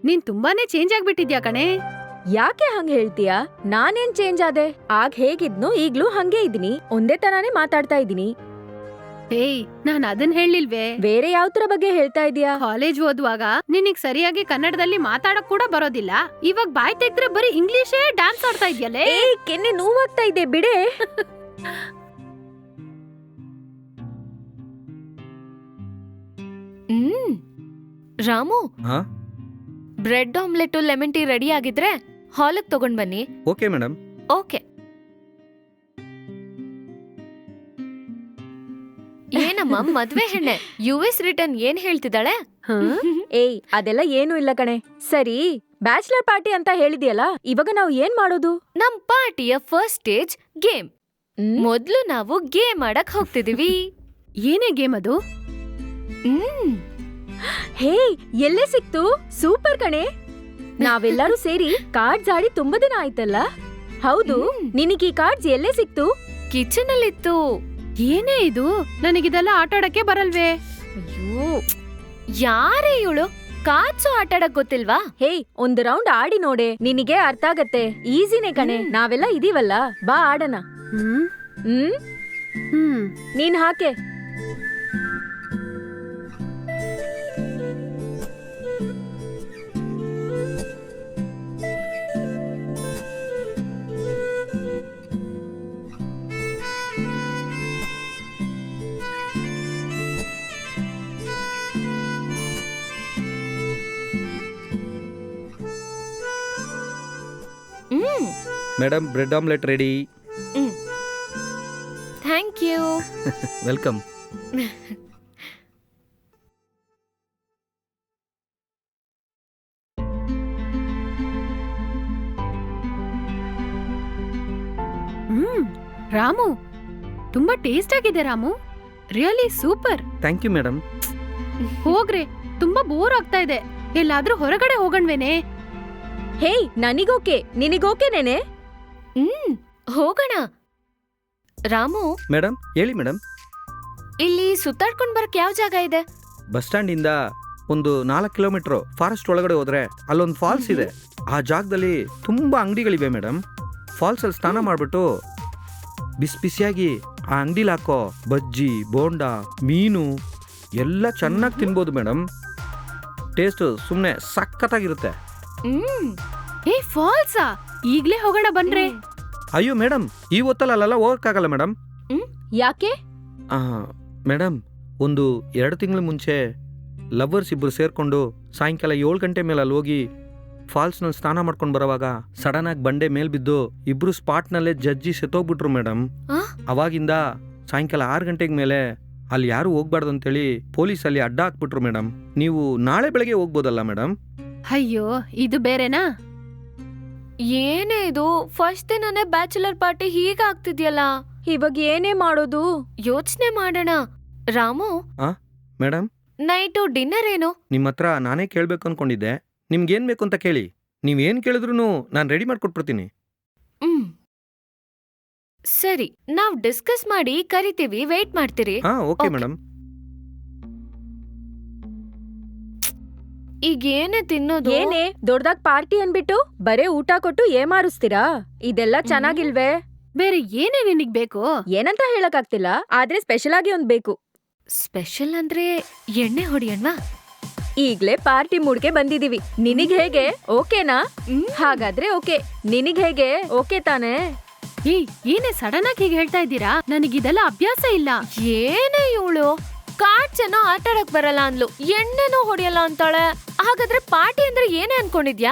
ನೀನ್ ತುಂಬಾನೇ ಚೇಂಜ್ ಆಗ್ಬಿಟ್ಟಿದ್ಯಾ ಕಣೆ. ಯಾಕೆ ಹಂಗ ಹೇಳ್ತೀಯಾ? ನಾನೇನ್ ಚೇಂಜ್ ಆದೆ? ಆಗ ಹೇಗಿದ್ನೋ ಈಗ್ಲೂ ಹಂಗೆ ಇದೀನಿ, ಒಂದೇ ತರಾನೇ ಮಾತಾಡ್ತಾ ಇದೀನಿ. ಏಯ್, ನಾನ್ ಅದನ್ ಹೇಳಿಲ್ವೇ. ಬೇರೆ ಯಾವ್ತರ ಬಗ್ಗೆ ಹೇಳ್ತಾ ಇದೀಯಾ? ಕಾಲೇಜ್ ಓದುವಾಗ ನಿನಗ್ ಸರಿಯಾಗಿ ಕನ್ನಡದಲ್ಲಿ ಮಾತಾಡಕ್ ಕೂಡ ಬರೋದಿಲ್ಲ. ಇವಾಗ ಬಾಯ್ ತೆಗ್ದ್ರೆ ಬರೀ ಇಂಗ್ಲಿಷೇ ಡ್ಯಾನ್ಸ್ ಆಡ್ತಾ ಇದ್ಯಲ್ಲೇ. ಕೆನ್ನೆ ನೋವಾಗ್ತಾ ಇದೆ ಬಿಡೆ. Ramu, bread omelette lemon tea ready ಆಗಿದ್ರೆ ಹಾಲಿಗೆ ತಗೊಂಡ್ ಬನ್ನಿ. Okay madam. ಓಕೆ. ಏನಮ್ಮ ಮದ್ವೆ ಹೆಣ್ಣೆ, US ರಿಟರ್ನ್ ಏನ್ ಹೇಳ್ತಿದ್ದಾಳೆ? ಅದೆಲ್ಲ ಏನು ಇಲ್ಲ ಕಣೆ. ಸರಿ, ಬ್ಯಾಚುಲರ್ ಪಾರ್ಟಿ ಅಂತ ಹೇಳಿದ್ಯಲ್ಲ, ಇವಾಗ ನಾವು ಏನ್ ಮಾಡೋದು? ನಮ್ ಪಾರ್ಟಿಯ ಫಸ್ಟ್ ಸ್ಟೇಜ್ ಗೇಮ್. ಮೊದ್ಲು ನಾವು ಗೇಮ್ ಆಡಕ್ ಹೋಗ್ತಿದೀವಿ. ಏನೇ ಗೇಮ್ ಅದು? ಹೇ, ಎಲ್ಲೇ ಸಿಕ್ತು? ಸೂಪರ್ ಕಣೆ. ನಾವೆಲ್ಲರೂ ಸೇರಿ ಕಾರ್ಡ್ಸ್ ಆಡಿ ತುಂಬಾ ದಿನ ಆಯ್ತಲ್ಲ. ಹೌದು, ನಿನಗೀ ಕಾರ್ಡ್ಸ್ ಎಲ್ಲೇ ಸಿಕ್ತು? ಕಿಚನ್ ಅಲ್ಲಿತ್ತು. ಏನೇ ಇದು? ನನಗಿದೆಲ್ಲ ಆಟಾಡಕ್ಕೆ ಬರಲ್ವೇ. ಅಯ್ಯೋ, ಯಾರೇ ಇವಳು? ಕಾರ್ಡ್ಸು ಆಟಾಡಕ್ ಗೊತ್ತಿಲ್ವಾ? ಹೇ, ಒಂದ್ ರೌಂಡ್ ಆಡಿ ನೋಡೆ, ನಿನಗೆ ಅರ್ಥ ಆಗತ್ತೆ. ಈಸಿನೇ ಕಣೆ, ನಾವೆಲ್ಲ ಇದೀವಲ್ಲ, ಬಾ ಆಡಣ. ನೀನ್ ಹಾಕೆ. Madam, bread omelette ready. Thank you. Welcome. Ramu, ತುಂಬಾ ಟೇಸ್ಟ್ ಆಗಿದೆ Ramu. Really super. Thank you madam. ಹೋಗ್ರೆ, ತುಂಬಾ ಬೋರ್ ಆಗ್ತಾ ಇದೆ. ಎಲ್ಲಾದ್ರೂ ಹೊರಗಡೆ ಹೋಗಣ್ವೇನೆ? ಹೇ, ನನಗೋಕೆ, ನಿನಗೋಕೆನೇನೆ? ಹೋಗೋಣ. ರಾಮು, ಮೇಡಮ್ ಹೇಳಿ ಮೇಡಮ್. ಇಲ್ಲಿ ಸುತ್ತಾಡ್ಕೊಂಡ್ ಬರಕ್ ಯಾವ ಜಾಗ ಇದೆ? ಬಸ್ ಸ್ಟ್ಯಾಂಡ್ ಇಂದ ಒಂದು 4 ಕಿಲೋಮೀಟರ್ ಫಾರೆಸ್ಟ್ ಒಳಗಡೆ ಹೋದ್ರೆ ಅಲ್ಲೊಂದು ಫಾಲ್ಸ್ ಇದೆ. ಆ ಜಾಗದಲ್ಲಿ ತುಂಬಾ ಅಂಗಡಿಗಳಿವೆ ಮೇಡಮ್. ಫಾಲ್ಸ್ ಅಲ್ಲಿ ಸ್ನಾನ ಮಾಡ್ಬಿಟ್ಟು ಬಿಸಿ ಬಿಸಿಯಾಗಿ ಆ ಅಂಗಡಿಲಿ ಹಾಕೋ ಬಜ್ಜಿ, ಬೋಂಡಾ, ಮೀನು ಎಲ್ಲ ಚೆನ್ನಾಗಿ ತಿನ್ಬೋದು ಮೇಡಮ್. ಟೇಸ್ಟ್ ಸುಮ್ಮನೆ ಸಖತ್ತಾಗಿರುತ್ತೆ. ಏ, ಫಾಲ್ಸಾ? ಈಗ್ಲೇ ಹೋಗೋಣ ಬನ್ರೆ. ಅಯ್ಯೋ ಮೇಡಮ್, ಈ ಹೊತ್ತಲ್ಲ ಅಲ್ಲೆಲ್ಲ ಹೋಗಕ್ಕಾಗಲ್ಲ ಮೇಡಮ್. ಯಾಕೆ? ಮೇಡಮ್, ಒಂದು 2 ತಿಂಗಳ ಮುಂಚೆ ಲವರ್ಸ್ ಇಬ್ರು ಸೇರ್ಕೊಂಡು ಸಾಯಂಕಾಲ 7 ಗಂಟೆ ಮೇಲೆ ಅಲ್ಲಿ ಹೋಗಿ ಫಾಲ್ಸ್ನಲ್ಲಿ ಸ್ನಾನ ಮಾಡ್ಕೊಂಡು ಬರೋವಾಗ ಸಡನ್ ಆಗಿ ಬಂಡೆ ಮೇಲ್ ಬಿದ್ದು ಇಬ್ರು ಸ್ಪಾಟ್ನಲ್ಲೇ ಜಜ್ಜಿ ಸೆತ್ತೋಗ್ಬಿಟ್ರು ಮೇಡಮ್. ಅವಾಗಿಂದ ಸಾಯಂಕಾಲ 6 ಗಂಟೆಗೆ ಮೇಲೆ ಅಲ್ಲಿ ಯಾರು ಹೋಗ್ಬಾರ್ದು ಅಂತೇಳಿ ಪೊಲೀಸ್ ಅಲ್ಲಿ ಅಡ್ಡ ಹಾಕ್ಬಿಟ್ರು ಮೇಡಮ್. ನೀವು ನಾಳೆ ಬೆಳಗ್ಗೆ ಹೋಗ್ಬೋದಲ್ಲ ಮೇಡಮ್? ಅಯ್ಯೋ, ಇದು ಬೇರೆನಾ? ಏನೇ ಇದು, ಫಸ್ಟ್ ದಿನನೇ ಬ್ಯಾಚುಲರ್ ಪಾರ್ಟಿ ಹೀಗ ಆಗ್ತಿದ್ಯಲ್ಲ. ಇವಾಗ ಏನೇ ಮಾಡೋದು? ಯೋಚನೆ ಮಾಡೋಣ. ರಾಮು, ಮೇಡಮ್, ನೈಟು ಡಿನ್ನರ್ ಏನು? ನಿಮ್ಮ ಹತ್ರ ನಾನೇ ಕೇಳ್ಬೇಕು ಅನ್ಕೊಂಡಿದ್ದೆ. ನಿಮ್ಗೇನ್ ಬೇಕು ಅಂತ ಕೇಳಿ, ನೀವೇನ್ ಕೇಳಿದ್ರು ನಾನು ರೆಡಿ ಮಾಡ್ಕೊಟ್ಬಿಡ್ತೀನಿ. ಸರಿ, ನಾವ್ ಡಿಸ್ಕಸ್ ಮಾಡಿ ಕರಿತೀವಿ, ವೇಟ್ ಮಾಡ್ತೀರಿ? Okay madam. ಈಗ ಏನೇ ತಿನ್ನೋದು? ಏನೇ ದೊಡ್ಡದಾಗ್ ಪಾರ್ಟಿ ಅನ್ಬಿಟ್ಟು ಬರೇ ಊಟ ಕೊಟ್ಟು ಏಮಾರಿಸ್ತೀರಾ? ಇದೆಲ್ಲ ಚೆನ್ನಾಗಿಲ್ವೇ? ಬೇರೆ ಏನೇ ನಿನಗ್ ಬೇಕು? ಏನಂತ ಹೇಳಕ್ ಆಗ್ತಿಲ್ಲ, ಆದ್ರೆ ಸ್ಪೆಷಲ್ ಆಗಿ ಒಂದ್ ಬೇಕು. ಸ್ಪೆಷಲ್ ಅಂದ್ರೆ ಎಣ್ಣೆ ಹೊಡಿಯಣ್ವಾ? ಈಗ್ಲೇ ಪಾರ್ಟಿ ಮೂಡ್ಗೆ ಬಂದಿದೀವಿ. ನಿನಗ್ ಹೇಗೆ? ಓಕೆನಾ? ಹಾಗಾದ್ರೆ ಓಕೆ. ನಿನಗ್ ಹೇಗೆ? ಓಕೆ ತಾನೇ? ಏನೇ ಸಡನ್ ಆಗಿ ಹೀಗೆ ಹೇಳ್ತಾ ಇದ್ದೀರಾ? ನನಗಿದೆಲ್ಲ ಅಭ್ಯಾಸ ಇಲ್ಲ. ಏನೇ ಇವಳು, ಕಾರ್ಡ್ಸ್ ಏನೋ ಆಟಾಡಕ್ ಬರಲ್ಲ ಅಂದ್ಲು, ಎಣ್ಣೆನೂ ಹೊಡಿಯಲ್ಲ ಅಂತಾಳೆ. ಹಾಗಾದ್ರೆ ಪಾರ್ಟಿ ಅಂದ್ರೆ ಏನೇ ಅನ್ಕೊಂಡಿದ್ಯಾ?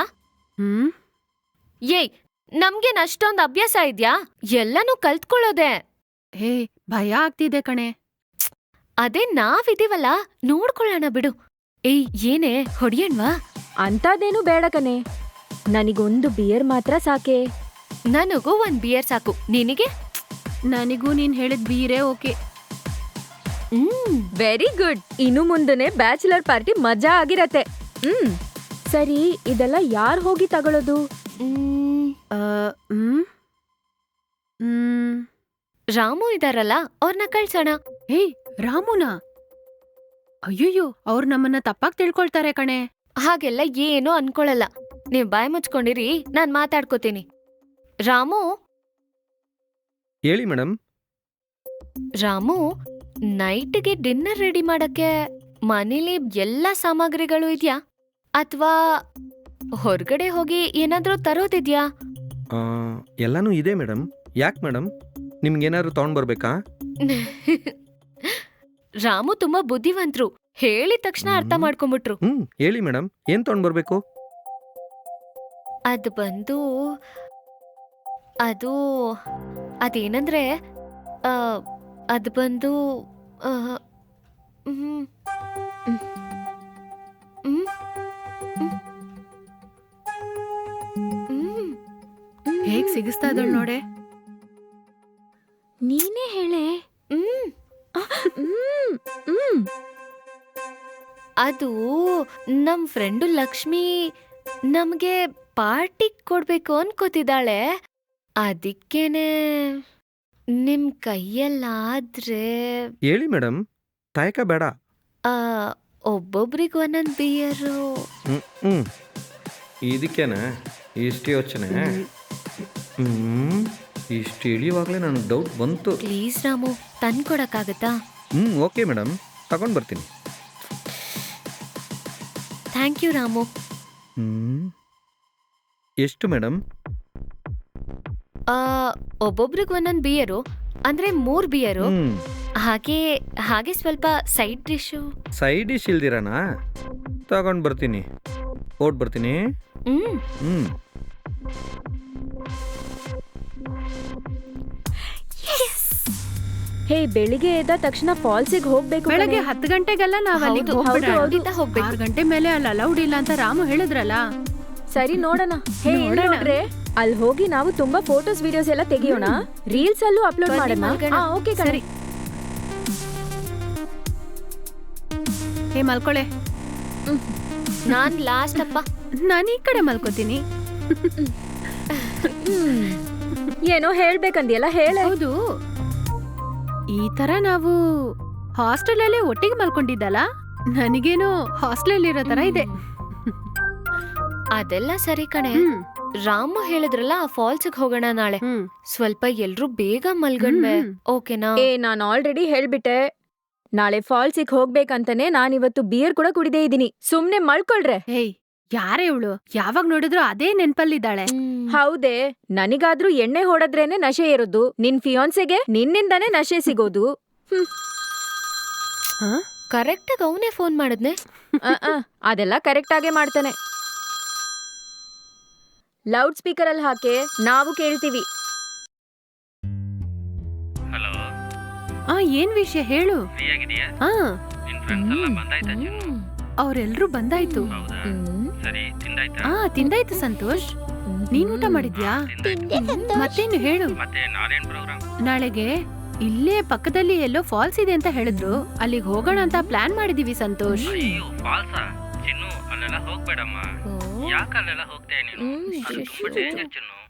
ಏಯ್, ನಮ್ಗೇನ್ ಅಷ್ಟೊಂದ್ ಅಭ್ಯಾಸ ಇದ್ಯಾ? ಎಲ್ಲನೂ ಕಲ್ತ್ಕೊಳ್ಳೋದೆ. ಹೇ, ಭಯ ಆಗ್ತಿದೆ ಕಣೆ. ಅದೇ ನಾವಿದೀವಲ್ಲ, ನೋಡ್ಕೊಳ್ಳೋಣ ಬಿಡು. ಏಯ್, ಏನೇ ಹೊಡಿಯಣ್ವಾ? ಅಂತಾದೇನು ಬೇಡ ಕಣೆ, ನನಗೊಂದು ಬಿಯರ್ ಮಾತ್ರ ಸಾಕೆ. ನನಗೂ 1 ಬಿಯರ್ ಸಾಕು. ನಿನಗೆ? ನನಗೂ ನೀನ್ ಹೇಳಿದ್ ಬೀರೇ ಓಕೆ. Very good. ಇನ್ನು ಮುಂದನೆ ಬ್ಯಾಚುಲರ್ ಪಾರ್ಟಿ ಮಜಾ ಆಗಿರತ್ತೆ. ಸರಿ, ಇದೆಲ್ಲ ಯಾರ್ ಹೋಗಿ ತಗೊಳ್ಳೋದು? ರಾಮು ಇದಾರಲ್ಲ, ಅವ್ರನ್ನ ಕಳ್ಸೋಣ. ರಾಮುನಾ? ಅಯ್ಯಯ್ಯೋ, ಅವ್ರು ನಮ್ಮನ್ನ ತಪ್ಪಾಗಿ ತಿಳ್ಕೊಳ್ತಾರೆ ಕಣೆ. ಹಾಗೆಲ್ಲ ಏನೂ ಅನ್ಕೊಳಲ್ಲ. ನೀವ್ ಬಾಯ್ ಮುಚ್ಕೊಂಡಿರಿ, ನಾನ್ ಮಾತಾಡ್ಕೋತೀನಿ. ರಾಮು ಹೇಳಿ ಮೇಡಮ್. ರಾಮು, ನೈಟ್ಗೆ ಡಿನ್ನರ್ ರೆಡಿ ಮಾಡಕ್ಕೆ ಮನೇಲಿ ಎಲ್ಲ ಸಾಮಗ್ರಿಗಳು ಇದ್ಯಾ ಅಥವಾ ಹೊರಗಡೆ ಹೋಗಿ ಏನಾದ್ರೂ ತರೋದಿದ್ಯಾ? ಎಲ್ಲನೂ ಇದೆ ಮೇಡಮ್. ಯಾಕೆ ಮೇಡಮ್, ನಿಮ್ಗೇನಾದ್ರು ತಗೊಂಡ್ ಬರ್ಬೇಕಾ? ರಾಮು ತುಂಬಾ ಬುದ್ಧಿವಂತರು, ಹೇಳಿದ ತಕ್ಷಣ ಅರ್ಥ ಮಾಡ್ಕೊಂಡ್ಬಿಟ್ರು. ಹೇಳಿ ಮೇಡಮ್, ಏನ್ ತಗೊಂಡ್ ಬರ್ಬೇಕು? ಅದು ಬಂದು ಅದೇನಂದ್ರೆ ಅದು ಬಂದು ಹೇಗ್ ಸಿಗಿಸ್ತಾ ಇದ್ದಾಳ್ ನೋಡೆ. ನೀನೇ ಹೇಳೆ. ಅದು ನಮ್ ಫ್ರೆಂಡು ಲಕ್ಷ್ಮಿ ನಮ್ಗೆ ಪಾರ್ಟಿ ಕೊಡ್ಬೇಕು ಅನ್ಕೋತಿದ್ದಾಳೆ. ಅದಕ್ಕೇನೆ ನಿಮ್ ಕೈಯಲ್ಲಾದ್ರೆ ಹೇಳಿ ಮೇಡಮ್, ತಾಯಕ ಬೇಡ. ಒಬ್ಬೊಬ್ರಿಗೆ ಒಂದೊಂದ್ ಬಿಯರು. ಇದಕ್ಕೇನೆ ಇಷ್ಟು ಯೋಚನೆ? ಇಷ್ಟು ಇಳಿಯುವಾಗಲೇ ನನಗೆ ಡೌಟ್ ಬಂತು. ಪ್ಲೀಸ್ ರಾಮು, ತಂದ್ಕೊಡಕ್ಕಾಗತ್ತಾ? ಓಕೆ ಮೇಡಮ್, ತಗೊಂಡ್ ಬರ್ತೀನಿ. Thank you Ramu. ಎಷ್ಟು ಮೇಡಮ್? ಒಬ್ಬೊಬ್ರಿಗೆ ಒಂದೊಂದ್ ಬಿಯರು, ಅಂದ್ರೆ 3 ಬಿಯರು. ಹಾಗೆ ಸ್ವಲ್ಪ ಸೈಡ್ ಡಿಶು. ಸೈಡ್ ಡಿಶ್ ಇಲ್ದಿರಾನಾ? ತಗೊಂಡ್ ಬರ್ತೀನಿ, ಓಡ್ ಬರ್ತೀನಿ. ಹೇ, ಬೆಳಿಗ್ಗೆ ಎದ್ದ ತಕ್ಷಣ ಫಾಲ್ಸಿಗೆ ಹೋಗ್ಬೇಕು. ಬೆಳಗ್ಗೆ 10 ಗಂಟೆಗೆಲ್ಲ ನಾವ್ ಅಲ್ಲಿಗೆ ಹೋಗ್ಬಿಡೋಣ. 6 ಗಂಟೆ ಮೇಲೆ ಅಲ್ಲಿ ಅಲೌಡ್ ಇಲ್ಲ ಅಂತ ರಾಮು ಹೇಳಿದ್ರಲ್ಲ. ಸರಿ, ನೋಡೋಣ. ಹೇ, ನೋಡ್ರೆ ಅಲ್ಲಿ ಹೋಗಿ ನಾವು ತುಂಬಾ ಫೋಟೋಸ್ ವಿಡಿಯೋಸ್ ಎಲ್ಲ ತೆಗಿಯೋಣ. ರೀಲ್ಸ್ ಅಲ್ಲೂ ಅಪ್ಲೋಡ್ ಮಾಡೋಣ. ಓಕೆ ಸರಿ. ಹೇ, ಮಲ್ಕೊಳೆ. ನಾನ್ ಲಾಸ್ಟ್ ಅಪ್ಪ. ನಾನು ಈ ಕಡೆ ಮಲ್ಕೋತೀನಿ. ಏನೋ ಹೇಳ್ಬೇಕಂದಿಯಲ್ಲ, ಹೇಳ. ಹೌದು, ಈ ತರ ನಾವು ಹಾಸ್ಟೆಲ್ ಅಲ್ಲಿ ಒಟ್ಟಿಗೆ ಮಲ್ಕೊಂಡಿದ್ದಲ್ಲ, ನನಗೇನೋ ಹಾಸ್ಟೆಲ್ ಇರೋ ತರ ಇದೆ. ಅದೆಲ್ಲ ಸರಿ ಕಣೆ. ರಾಮು ಹೇಳಿದ್ರಲ್ಲ ಆ ಫಾಲ್ಸ್ಗೆ ಹೋಗೋಣ ನಾಳೆ. ಸ್ವಲ್ಪ ಎಲ್ರು ಬೇಗ ಮಲ್ಗಣ್ವೆ, ಓಕೆನಾ? ನಾನ್ ಆಲ್ರೆಡಿ ಹೇಳ್ಬಿಟ್ಟೆ, ನಾಳೆ ಫಾಲ್ಸಿಗೆ ಹೋಗ್ಬೇಕಂತಾನೆ ನಾನಿವತ್ತು ಬಿಯರ್ ಕೂಡ ಕುಡಿದೇ ಇದೀನಿ. ಸುಮ್ನೆ ಮಲ್ಕೊಳ್ರೆ. ಏಯ್, ಯಾರೇ ಇವಳು? ಯಾವಾಗ ನೋಡಿದ್ರು ಅದೇ ನೆನ್ಪಲ್ಲಿದ್ದಾಳೆ. ಹೌದೇ, ನನಗಾದ್ರೂ ಎಣ್ಣೆ ಹೊಡೆದ್ರೇನೆ ನಶೆ ಇರೋದು. ನಿನ್ ಫಿಯಾನ್ಸೆಗೆ ನಿನ್ನಿಂದಾನೇ ನಶೆ ಸಿಗೋದು. ಕರೆಕ್ಟಾಗಿ ಅವನೇ ಫೋನ್ ಮಾಡಿದ್ನೆ. ಅದೆಲ್ಲ ಕರೆಕ್ಟ್ ಆಗೇ ಮಾಡ್ತಾನೆ. ಲೌಡ್ ಸ್ಪೀಕರ್ ಅಲ್ಲಿ ಹಾಕೆ, ನಾವು ಕೇಳ್ತೀವಿ. ಹಲೋ, ಏನ್ ವಿಷಯ ಹೇಳು. ಫ್ರೀ ಆಗಿದೆಯಾ? ನಿನ್ ಫ್ರೆಂಡ್ಸ್ ಎಲ್ಲ ಬಂದಾಯ್ತಾ ಚಿನ್ನು? ಅವ್ರೆಲ್ರೂ ಬಂದಾಯ್ತು. ಹೌದಾ? ಸರಿ, ತಿಂದಾಯ್ತಾ? ತಿಂದಾಯ್ತು ಸಂತೋಷ್. ನೀನ್ ಊಟ ಮಾಡಿದ್ಯಾ? ಮತ್ತೇನು ಹೇಳು. ಮತ್ತೆ ನಾಳೆನ್ ಪ್ರೋಗ್ರಾಮ್? ನಾಳೆಗೆ ಇಲ್ಲೇ ಪಕ್ಕದಲ್ಲಿ ಎಲ್ಲೋ ಫಾಲ್ಸ್ ಇದೆ ಅಂತ ಹೇಳಿದ್ರು, ಅಲ್ಲಿಗೆ ಹೋಗೋಣ ಅಂತ ಪ್ಲಾನ್ ಮಾಡಿದೀವಿ ಸಂತೋಷ್. ಅಯ್ಯೋ, ಫಾಲ್ಸಾ? ಚಿನ್ನು, ಅಲ್ಲೆಲ್ಲ ಹೋಗ್ಬೇಡಮ್ಮ. ಯಾಕೆ ಅಲ್ಲೆಲ್ಲ ಹೋಗ್ತೇನೆ ನೀನು? ಅದು ತುಂಬಾ ಡೇಂಜರ್ ಚಿನ್ನು.